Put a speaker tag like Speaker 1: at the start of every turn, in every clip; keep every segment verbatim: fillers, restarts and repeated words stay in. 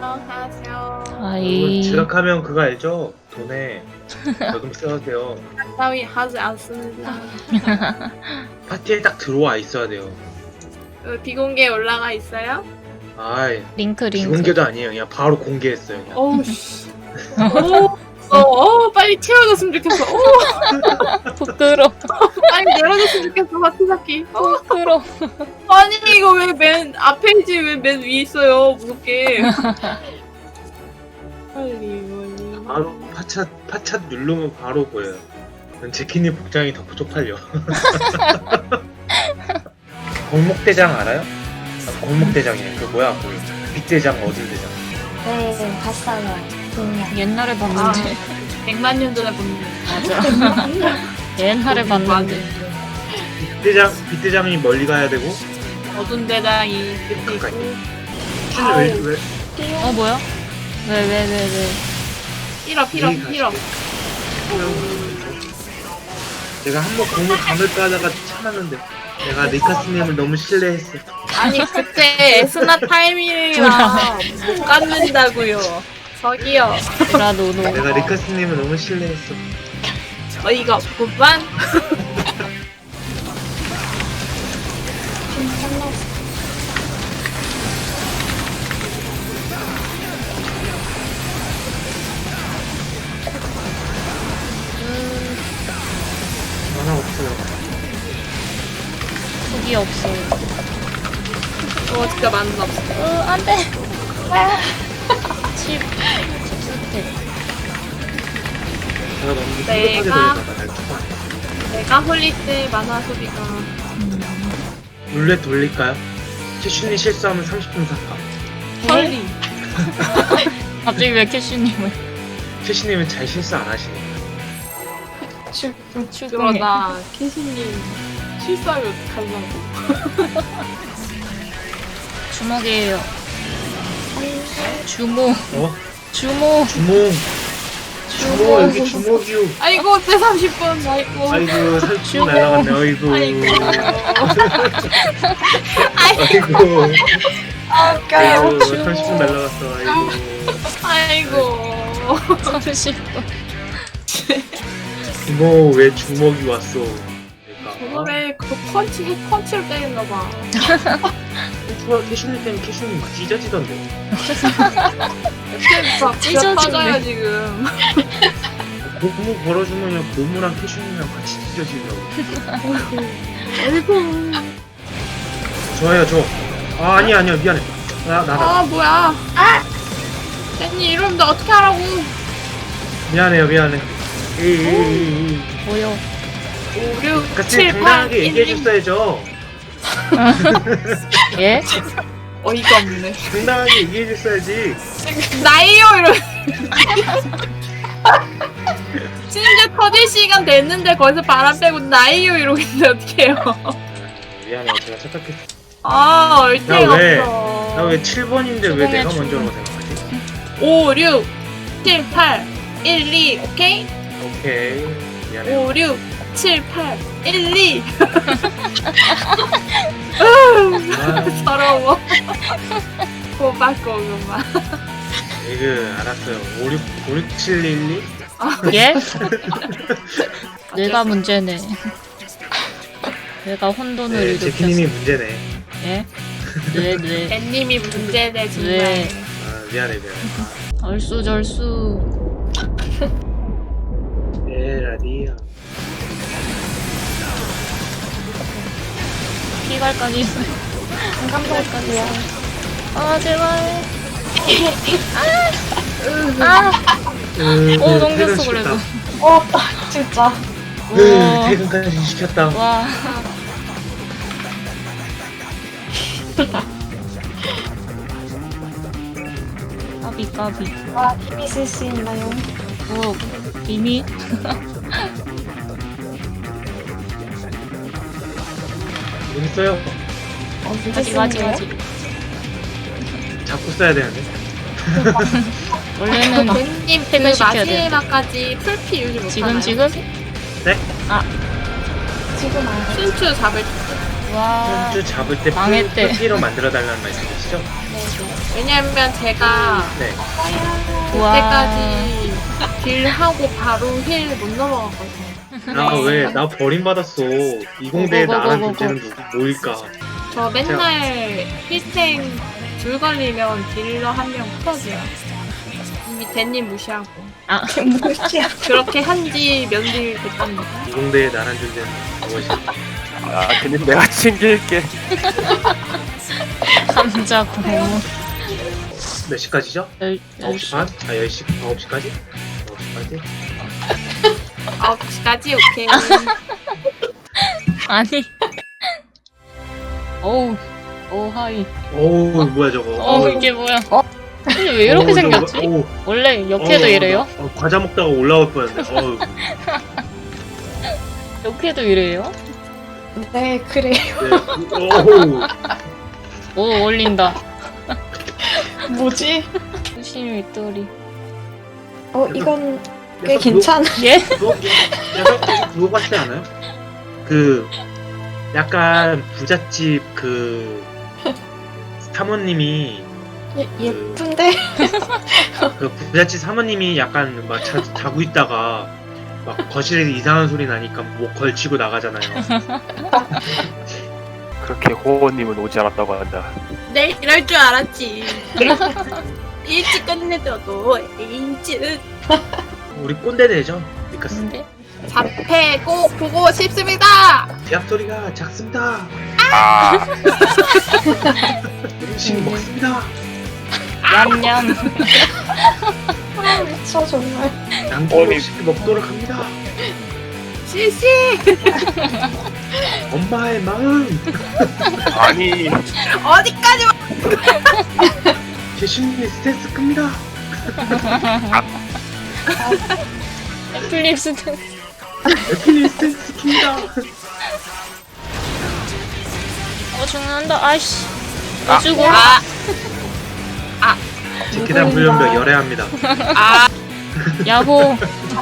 Speaker 1: 안녕하세요.
Speaker 2: 여러분
Speaker 3: 아이
Speaker 2: 지각하면 그거 알죠? 돈에 저금 써야 돼요.
Speaker 1: 따위 하지 않습니다.
Speaker 2: 파티에 딱 들어와 있어야 돼요.
Speaker 1: 어, 비공개 올라가 있어요?
Speaker 2: 아이
Speaker 3: 링크 링크
Speaker 2: 비공개도 아니에요. 그냥 바로 공개했어요. 그냥.
Speaker 1: 어우 씨. 어, 어, 어, 빨리 튀어줬으면 좋겠어. 어,
Speaker 3: 부끄러
Speaker 1: 빨리 내려줬으면 좋겠어, 바티바키. 어,
Speaker 3: 부끄러
Speaker 1: 아니, 이거 왜 맨 앞페이지 왜 맨 위에 있어요, 무섭게. 빨리, 빨리.
Speaker 2: 바로 파차 파차 누르면 바로 보여요. 제키님 복장이 더 쪽팔려. 골목대장 알아요? 아, 골목대장이에요. 그 뭐야? 그 빅대장 어딜 대장?
Speaker 4: 네, 봤어요. 그냥.
Speaker 3: 옛날에 봤는데
Speaker 1: 백만 년 전에 본
Speaker 3: 맞아 옛날에 봤는데
Speaker 2: 빅대장 빅대장이 멀리 가야 되고.
Speaker 1: 어두운 대장이 끝에
Speaker 2: 가까이.
Speaker 1: 있고.
Speaker 2: 왜 왜?
Speaker 3: 어 뭐야? 왜 왜 왜 왜?
Speaker 1: 필어, 필어,
Speaker 2: 여기
Speaker 1: 필어.
Speaker 2: 제가 한번 골목 감을까 하다가 참았는데 내가 니카스님을 너무 신뢰했어.
Speaker 1: 아니, 그때 에스나 타이밍이랑 못 갖는다고요. 저기요.
Speaker 3: 브라노노
Speaker 2: 내가 니카스님을 너무 신뢰했어.
Speaker 1: 어이가 없구만.
Speaker 2: 만화 없어요.
Speaker 3: 속이 없어.
Speaker 1: 어, 진짜 맞는 없어.
Speaker 3: 어 안돼. 칩 칩스텝.
Speaker 2: 제가 너무
Speaker 1: 내가-
Speaker 2: 성급하게 돌려다가 날 쳐봐.
Speaker 1: 내가 홀릴 때 만화 소비가.
Speaker 2: 룰렛 돌릴까요? 캐슈니 실수하면 삼십 분 사파.
Speaker 1: 헐리.
Speaker 3: 갑자기 왜 캐슈님을
Speaker 2: 캐슈님은 잘 실수 안 하시니까.
Speaker 3: 출동해?
Speaker 1: 그러다 캐시님 실수하면 어떡하려고.
Speaker 3: 주먹이에요. 주모
Speaker 2: 어?
Speaker 3: 주모
Speaker 2: 주몽. 주몽 여기 주먹이요.
Speaker 1: 아이고, 내 삼십 분. 아이고.
Speaker 2: 아이고 삼십
Speaker 3: 주몽.
Speaker 2: 분 날라갔네. 아이고.
Speaker 1: 아이고.
Speaker 2: 아이고.
Speaker 4: 아,
Speaker 2: 아이고
Speaker 3: 주몽.
Speaker 2: 삼십 분 날라갔어. 아이고.
Speaker 1: 아이고.
Speaker 3: 삼십 분.
Speaker 2: 주모 왜 주먹이 왔어? 그러니까.
Speaker 1: 저번에 그 펀치, 핵 펀치를 때렸나봐.
Speaker 2: 어, 캐슈니 때문에 캐슈니 막 찢어지던데.
Speaker 1: 막
Speaker 3: 찢어지네.
Speaker 1: 빠져요, 지금.
Speaker 2: 고무 걸어주면 그냥 고무랑 캐슈니랑 같이 찢어지더라고.
Speaker 1: 아이고.
Speaker 2: 좋아요 저. 아 아니야 아니야 미안해. 나 나다.
Speaker 1: 아, 뭐야. 아! 댄니 이러는데 어떻게 하라고.
Speaker 2: 미안해요 미안해. 에이
Speaker 3: 뭐요?
Speaker 1: 오, 육,
Speaker 2: 같이
Speaker 1: 칠, 팔,
Speaker 2: 당당하게
Speaker 1: 일, 이.
Speaker 2: 얘기해줬어야죠.
Speaker 3: 예?
Speaker 1: 어이가 없네.
Speaker 2: 당당하게 얘기해줬어야지.
Speaker 1: 나이요 이러. 심지어 터질 시간 됐는데 거기서 바람 빼고 나이요 이러고 있는데 어떡해요.
Speaker 2: 미안해 제가 착각했어.
Speaker 1: 아, 얼탱
Speaker 2: 나 왜?
Speaker 1: 없어.
Speaker 2: 나 왜 칠 번인데 왜
Speaker 3: 주공해,
Speaker 2: 내가
Speaker 3: 주공.
Speaker 2: 먼저라고 생각하지?
Speaker 1: 오, 육, 칠, 팔, 일, 이. 오케이?
Speaker 2: 오케이 미안해.
Speaker 1: 오, 육, 칠, 팔, 일, 이.
Speaker 2: 아,
Speaker 1: 서러워. 고맙고구만.
Speaker 2: 이거 알았어요. 오육 오육 칠 일 이.
Speaker 3: 예? 내가 문제네. 내가 혼돈을
Speaker 2: 네,
Speaker 3: 일으켰어.
Speaker 2: 제키님이 문제네.
Speaker 3: 예? 네, 네.
Speaker 1: 댄님이 문제네 정말.
Speaker 3: 네.
Speaker 2: 아 미안해 미안해.
Speaker 3: 얼쑤절쑤.
Speaker 2: 에라디야.
Speaker 3: 피갈까지.
Speaker 4: 감사합니다.
Speaker 3: 아 제발. 아. 아. 오 넘겼어 그래도.
Speaker 4: 어, 진짜.
Speaker 2: 으,
Speaker 3: 우와.
Speaker 2: 퇴근까지 시켰다.
Speaker 3: 와. 까비 까비.
Speaker 4: 와, 힘이 쓸 수 있나요?
Speaker 3: 오 이미
Speaker 2: 재밌어요.
Speaker 4: 언제
Speaker 3: 아직 아직
Speaker 4: 쓰는데요?
Speaker 3: 아직.
Speaker 2: 자꾸 써야 되는데.
Speaker 3: 원래는
Speaker 1: 댄님 그
Speaker 3: 퇴근시켜야 돼.
Speaker 1: 마지막까지 풀피 유지 못하나요?
Speaker 3: 지금 지금?
Speaker 2: 네?
Speaker 4: 지금 안
Speaker 1: 순추 잡을 때.
Speaker 3: 와.
Speaker 2: 주 잡을 때
Speaker 3: 망했대.
Speaker 2: 풀피로 만들어 달라는 말씀이시죠?
Speaker 4: 네, 네.
Speaker 1: 왜냐면 제가
Speaker 2: 네.
Speaker 3: 우와.
Speaker 1: 그때까지 딜 하고 바로 힐 못 넘어갔거든요.
Speaker 2: 나 왜 나 버림받았어. 이공대에 나랑
Speaker 3: 고고고고고.
Speaker 2: 존재는 누구 뭐일까?
Speaker 1: 저 맨날 힐탱 줄 걸리면 딜러 한 명 풀어줘요. 이미 대님 무시하고.
Speaker 3: 아,
Speaker 4: 무시야.
Speaker 1: 그렇게 한지 몇일 됐답니다.
Speaker 2: 이공대에 나랑 존재는 무엇일까?
Speaker 5: 아, 그님 내가 챙길게.
Speaker 3: 감자 고무.
Speaker 2: 몇 시까지죠?
Speaker 3: 열,
Speaker 2: 아홉 시 반? 아 열 시 아홉 시까지? 아홉 시까지?
Speaker 1: 아홉 시까지 오케이.
Speaker 3: 아니. 어우, 오 하이.
Speaker 2: 어우 뭐야 저거.
Speaker 3: 어, 이게 뭐야? 근데 왜 이렇게
Speaker 2: 어우,
Speaker 3: 생겼지?
Speaker 2: 저거, 어우,
Speaker 3: 원래 역해도
Speaker 2: 어우,
Speaker 3: 이래요?
Speaker 2: 어, 과자 먹다가 올라올 뻔했네. 어우.
Speaker 3: 역해도 이래요?
Speaker 4: 네, 그래요.
Speaker 2: 네. 어우.
Speaker 3: 오, 어울린다.
Speaker 4: 뭐지?
Speaker 3: 수심 윗돌이.
Speaker 4: 어, 이건 꽤
Speaker 2: 약간
Speaker 4: 괜찮아.
Speaker 3: 예?
Speaker 2: 그거, 약간 그거 같지 않아요? 그 약간 부잣집 그 사모님이
Speaker 4: 예, 예쁜데?
Speaker 2: 그 부잣집 사모님이 약간 막 자, 자고 있다가 막 거실에서 이상한 소리 나니까 뭐 걸치고 나가잖아요.
Speaker 5: 그렇게 호호님은 오지 않았다고 한다.
Speaker 1: 네, 이럴 줄 알았지. 일찍 끝내줘도 일찍
Speaker 2: 우리 꼰대 되죠? 니카스.
Speaker 3: 근데?
Speaker 1: 잡해 꼭 보고 싶습니다.
Speaker 2: 대학 소리가 작습니다.
Speaker 5: 아,
Speaker 2: 음식 먹습니다.
Speaker 3: 냠냠.
Speaker 4: 아, 미쳐, 정말.
Speaker 2: 양념없이 먹도록 합니다.
Speaker 1: 실시.
Speaker 2: 엄마의 마음.
Speaker 5: 아니,
Speaker 1: 어디까지 와?
Speaker 2: 제신이 스트레스 큽니다.
Speaker 3: 애플립스
Speaker 2: 에필리 스트레스 큽니다.
Speaker 3: 어 죽는다. 아이씨.
Speaker 5: 아.
Speaker 3: 어 죽어.
Speaker 1: 아,
Speaker 2: 제 계단 불륜벽 열애합니다.
Speaker 1: 아,
Speaker 3: 야호.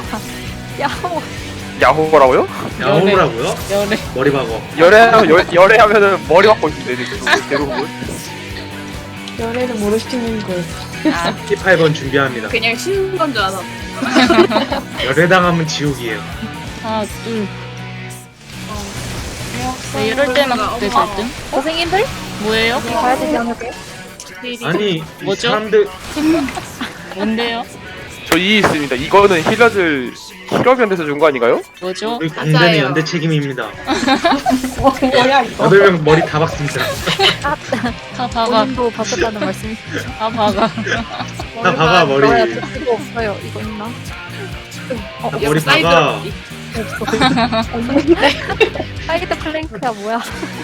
Speaker 5: 야호라고요?
Speaker 2: 야호라고요?
Speaker 3: 열애.
Speaker 2: 머리 박어.
Speaker 5: 열애하면 열, 열애하면은 머리 박고 있는데 대부분.
Speaker 4: 연애를 모르시는 거예요.
Speaker 3: 아,
Speaker 2: 십팔 번 준비합니다.
Speaker 1: 그냥 쉬는 건 줄 알아.
Speaker 2: 열애당하면 지옥이에요.
Speaker 3: 하나 둘. 네, 이럴 때만 그때 잘뜸.
Speaker 1: 선생님들?
Speaker 3: 뭐예요?
Speaker 4: 가야 되지 않을까요?
Speaker 2: 아니 이
Speaker 3: 뭐죠?
Speaker 2: 사람들
Speaker 3: 뭔데요?
Speaker 5: 저 이 있습니다. 이거는 힐러들 힐러견에서 준 거 아닌가요?
Speaker 3: 뭐죠?
Speaker 2: 우리 공단의
Speaker 1: 맞아요.
Speaker 2: 연대 책임입니다.
Speaker 4: 어, 뭐야, 이거.
Speaker 2: 여덟 명 머리 다 박습니다.
Speaker 3: 다 박아.
Speaker 6: 본인도 바꿨다는 말씀.
Speaker 3: 다 박아.
Speaker 2: 다 박아 머리.
Speaker 6: 나야 이거 없어요. 이거 있나?
Speaker 2: 다 머리 박아.
Speaker 6: 사이드 플랭크야 뭐야?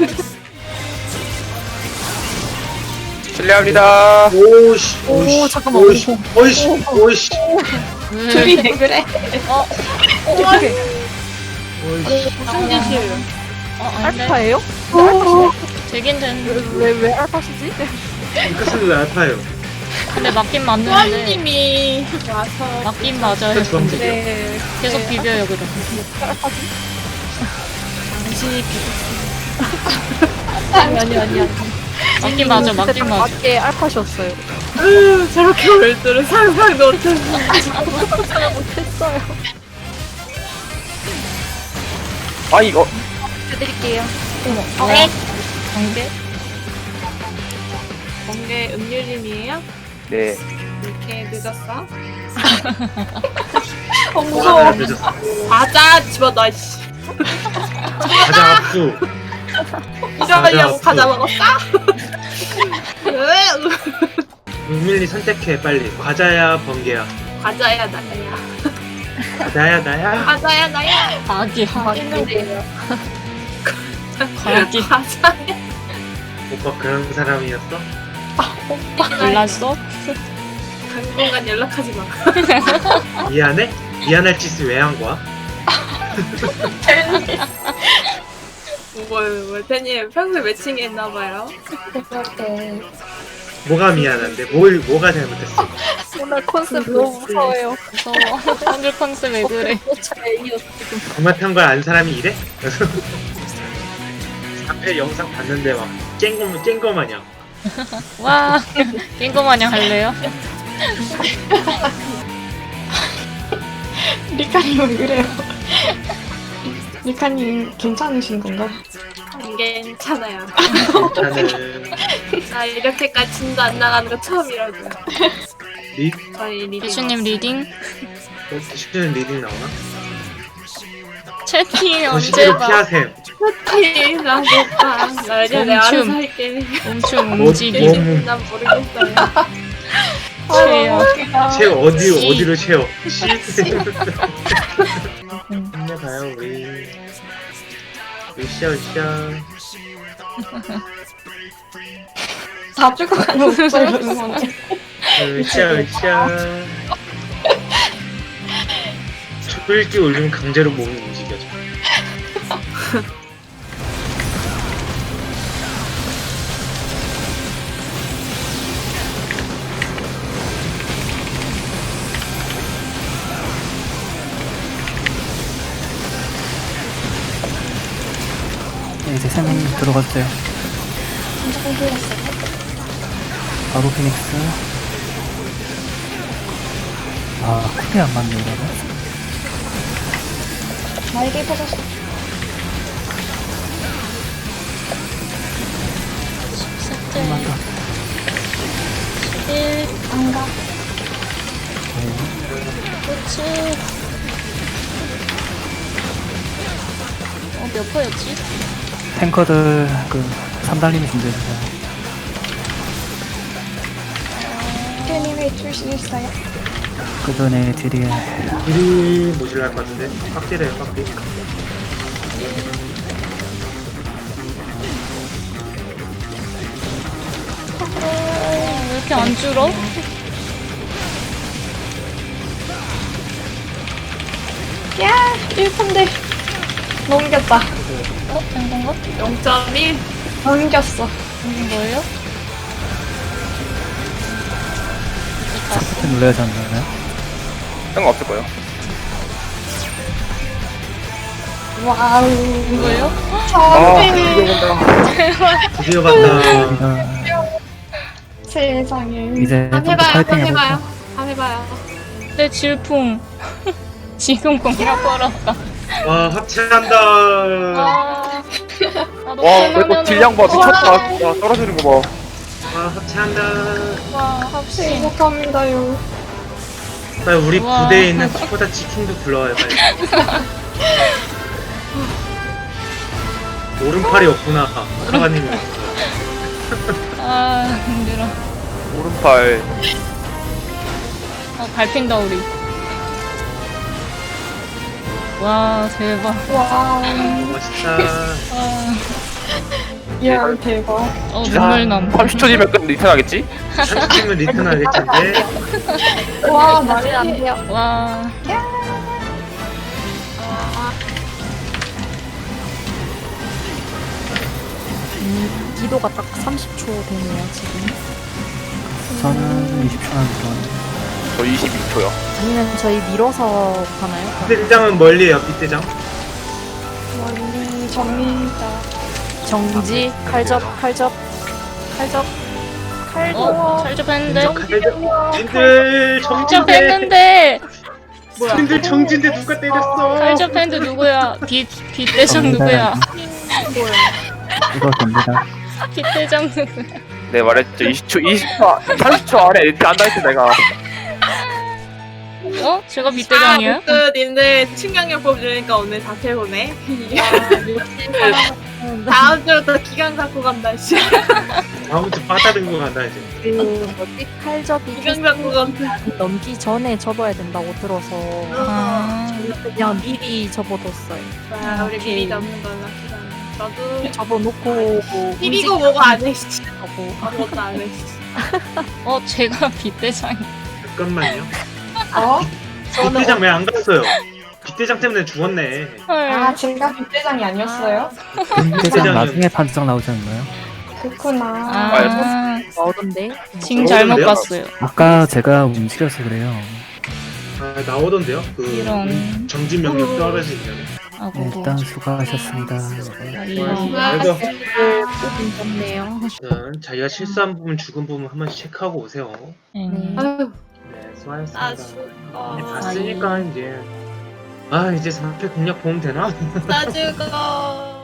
Speaker 5: 실례합니다.
Speaker 2: 오씨.
Speaker 6: 오,
Speaker 2: 오씨.
Speaker 6: 잠깐만.
Speaker 2: 오씨. 오씨. 오씨.
Speaker 3: 왜?
Speaker 4: 둘이 왜 그래?
Speaker 6: 어떻게?
Speaker 2: 오씨.
Speaker 1: 무슨 짓이에요?
Speaker 3: 어, 아닌데?
Speaker 6: 알파예요?
Speaker 3: 되긴 되는데.
Speaker 6: 왜왜 왜 알파시지?
Speaker 2: 이카스는 왜 아파요?
Speaker 3: 근데 맞긴 맞는데.
Speaker 1: 부모님이 와서
Speaker 3: 맞긴 맞아요.
Speaker 2: 그 주황색이요.
Speaker 6: 네.
Speaker 3: 계속
Speaker 6: 네.
Speaker 3: 비벼요, 그럼.
Speaker 6: 알파지?
Speaker 1: 당신이
Speaker 6: 아니 아니 아니 아니.
Speaker 3: 맞긴 맞아,
Speaker 6: 그때
Speaker 3: 맞긴
Speaker 6: 딱
Speaker 3: 맞아.
Speaker 6: 맞게 알파셨어요.
Speaker 1: 비웃 저렇게 올 줄은 상상도 못했어.
Speaker 6: 생각 못했어요.
Speaker 5: 아 이거
Speaker 6: 해드릴게요.
Speaker 3: 어? 관계?
Speaker 1: 번개 음료림이에요?
Speaker 5: 네.
Speaker 1: 이렇게 늦었어?
Speaker 4: 어,
Speaker 2: 뭐가
Speaker 4: 무서워.
Speaker 2: 늦었어.
Speaker 1: 과자 집어넣어, 씨.
Speaker 2: 가자 압수.
Speaker 1: 이러려고
Speaker 2: 과자
Speaker 1: 과자 먹었어?
Speaker 2: 은밀히 선택해 빨리. 과자야 번개야.
Speaker 1: 과자야, 나야.
Speaker 2: 나야 나야.
Speaker 1: 과자야, 나야.
Speaker 3: 과기.
Speaker 6: 있는데요.
Speaker 3: 과기.
Speaker 1: 과자야.
Speaker 2: 오빠 그런 사람이었어?
Speaker 3: 몰랐어?
Speaker 1: 당분간 연락하지 마.
Speaker 2: 미안해? 미안할 짓을 왜 한 거야?
Speaker 1: 뭐, 뭐, 태님 평소에 매칭 했나봐요.
Speaker 4: 그렇게.
Speaker 2: 뭐가 미안한데? 뭘 뭐가 잘못했어?
Speaker 6: 오늘 컨셉 너무 무서워요.
Speaker 3: 무서워. 오늘 컨셉 왜 그래?
Speaker 2: 잘못한 걸 안 사람이 이래? 앞에 영상 봤는데 막 쨍거 쨍거 마냥.
Speaker 3: 와, 낀거 마냥 할래요?
Speaker 4: 리카님 왜 그래요? 리카님 괜찮으신 건가?
Speaker 1: 안 괜찮아요.
Speaker 2: 저는
Speaker 1: 나 이렇게까지 진도 안 나가는 거 처음이라고요.
Speaker 2: 리
Speaker 1: 저희 리딩.
Speaker 3: 대슈님 리딩?
Speaker 2: 어, 대신에 리딩 나오나?
Speaker 3: 채팅이 언제
Speaker 2: 거시기로
Speaker 3: 봐?
Speaker 2: 피하셈.
Speaker 1: 티 나겠다. 나 이제 내 알아서
Speaker 3: 멈춤.
Speaker 1: 할게.
Speaker 3: 멈춤
Speaker 2: 뭐,
Speaker 3: 움직이.
Speaker 2: 뭐,
Speaker 1: 난 모르겠어요.
Speaker 3: 최요.
Speaker 2: 채워 어디
Speaker 3: 씨.
Speaker 2: 어디로 채워? 씨. 힘내봐요 우리. 으쌰 으쌰.
Speaker 4: 다 죽어가는 목소리로 응원해.
Speaker 2: 으쌰 으쌰. 촛불기 올리면 강제로 몸이 움직여져.
Speaker 7: 네, 이제 세 명 들어갔어요. 바로 피닉스. 아, 쿨이 안 맞네, 이거는.
Speaker 4: 날개 퍼졌어.
Speaker 7: 한번 더.
Speaker 3: 일,
Speaker 4: 안 가.
Speaker 7: 네.
Speaker 3: 그치. 어, 몇 퍼였지?
Speaker 7: 탱커들, 그, 삼 달림이 준비해주세요.
Speaker 4: 리카님이 출신했어요.
Speaker 7: 그 전에 딜이,
Speaker 2: 일이 모질랄 것 같은데. 빡딜해요 빡딜.
Speaker 3: 어, 왜 이렇게 안 줄어?
Speaker 4: 야, 일 푼데. 넘겼다.
Speaker 3: 어, 된 건가?
Speaker 1: 영 점 일.
Speaker 4: 넘겼어.
Speaker 3: 된 거예요?
Speaker 7: 스포트 눌러야 하지 않나요?
Speaker 5: 상관없을 거예요.
Speaker 4: 와우.
Speaker 3: 이거요?
Speaker 5: 아,
Speaker 4: 선생님.
Speaker 5: 이거 본다.
Speaker 2: 드디어 봤다.
Speaker 7: 우리가
Speaker 4: 세상에.
Speaker 7: 이제
Speaker 1: 한번
Speaker 7: 좀 더
Speaker 1: 해봐요.
Speaker 7: 파이팅
Speaker 1: 한번
Speaker 7: 해볼까?
Speaker 1: 해봐요. 한번 해봐요.
Speaker 3: 내 질풍. 지금 공이라 벌었다.
Speaker 2: 와 합체한다.
Speaker 3: 와. 나도
Speaker 5: 와, 이거
Speaker 3: 끝나면은
Speaker 5: 딜량 봐. 미쳤다. 와, 떨어지는 거 봐.
Speaker 2: 와 합체한다.
Speaker 3: 와, 합시.
Speaker 4: 행복합니다요.
Speaker 2: 빨리 우리
Speaker 3: 우와.
Speaker 2: 부대에 있는 키보다 치킨도 불러와요 빨리. 오른팔이 없구나. 카가님이 없어.
Speaker 3: 아, 힘들어.
Speaker 5: 오른팔.
Speaker 3: 아, 밟힌다, 우리. 와, 대박.
Speaker 4: 와우.
Speaker 2: 멋있다.
Speaker 3: 아,
Speaker 4: 야, 대박.
Speaker 3: 어, 눈물 남.
Speaker 5: 삼십 초 뒤면 끝 리턴 하겠지?
Speaker 2: 삼십 팀은 리턴 할 텐데.
Speaker 4: 와,
Speaker 6: 말이 안
Speaker 4: 날개.
Speaker 6: 돼요.
Speaker 3: 와.
Speaker 6: 기도가 딱 삼십 초 되네요, 지금.
Speaker 7: 저는 이십 초나 들어왔는데.
Speaker 5: 저 이십이 초요.
Speaker 6: 아니면 저희 밀어서 가나요?
Speaker 2: 빛대장은 멀리에요 빛대장.
Speaker 4: 멀리 접니다.
Speaker 6: 정지, 칼접, 칼접, 칼접, 칼접.
Speaker 3: 어, 잘접했는데?
Speaker 2: 님들 정진대.
Speaker 3: 잘접했는데!
Speaker 2: 님들 정진대 누가 때렸어?
Speaker 3: 잘접했는데 누구야? 빛, 빛대장 누구야?
Speaker 7: 이거 됩니다.
Speaker 3: 빛대장 누구야?
Speaker 5: 네, 말했죠. 이십 초, 이십 초, 삼십 초 안에 리턴 한다 했지, 내가.
Speaker 3: 어? 제가 빛대장이에요?
Speaker 1: 아, 그 님들 충격요법 주니까 오늘 다 태우네. 다음 주부터 기간 갖고 간다. 씨.
Speaker 2: 다음 주 빠따른 거 간다 이제.
Speaker 6: 그 뭐지? 칼접이
Speaker 1: 기간 갖고 간다.
Speaker 6: 넘기 전에 접어야 된다고 들어서
Speaker 3: 아,
Speaker 6: 그냥 미리 접어뒀어요.
Speaker 1: 아, 우리 미리 잡는 걸로 합시다. 저도
Speaker 6: 접어놓고 뭐
Speaker 1: 비비고 뭐고 안 해. 씨.
Speaker 6: 움직이고
Speaker 1: 아무것도 안 해. 씨.
Speaker 3: 어, 제가 빛대장이.
Speaker 2: 잠깐만요.
Speaker 4: 어?
Speaker 2: 빛대장 왜 안 갔어요? 빛대장 때문에 죽었네.
Speaker 3: 헐.
Speaker 4: 아, 제가 빗대장이 아니었어요?
Speaker 7: 대장 나중에 판정 나오지 않나요?
Speaker 4: 그렇구나.
Speaker 3: 아,
Speaker 6: 나오던데.
Speaker 3: 징 잘못
Speaker 2: 어려운데요?
Speaker 3: 봤어요.
Speaker 7: 아까 제가 움직여서 그래요.
Speaker 2: 아 나오던데요? 그
Speaker 3: 이런.
Speaker 2: 정진 명령 떨어지면.
Speaker 3: 아고.
Speaker 7: 네, 일단 수고하셨습니다.
Speaker 3: 이
Speaker 2: 아이고.
Speaker 6: 꼭 기분 좋네요.
Speaker 2: 아무튼 자기가 실수한 부분, 죽은 부분 한 번씩 체크하고 오세요.
Speaker 3: 네.
Speaker 1: 아유,
Speaker 2: 네, 수고하셨습니다.
Speaker 1: 나
Speaker 2: 이제
Speaker 1: 죽어.
Speaker 2: 봤으니까 이제 아 이제 삼 패 공략 보면 되나?
Speaker 1: 나 죽어.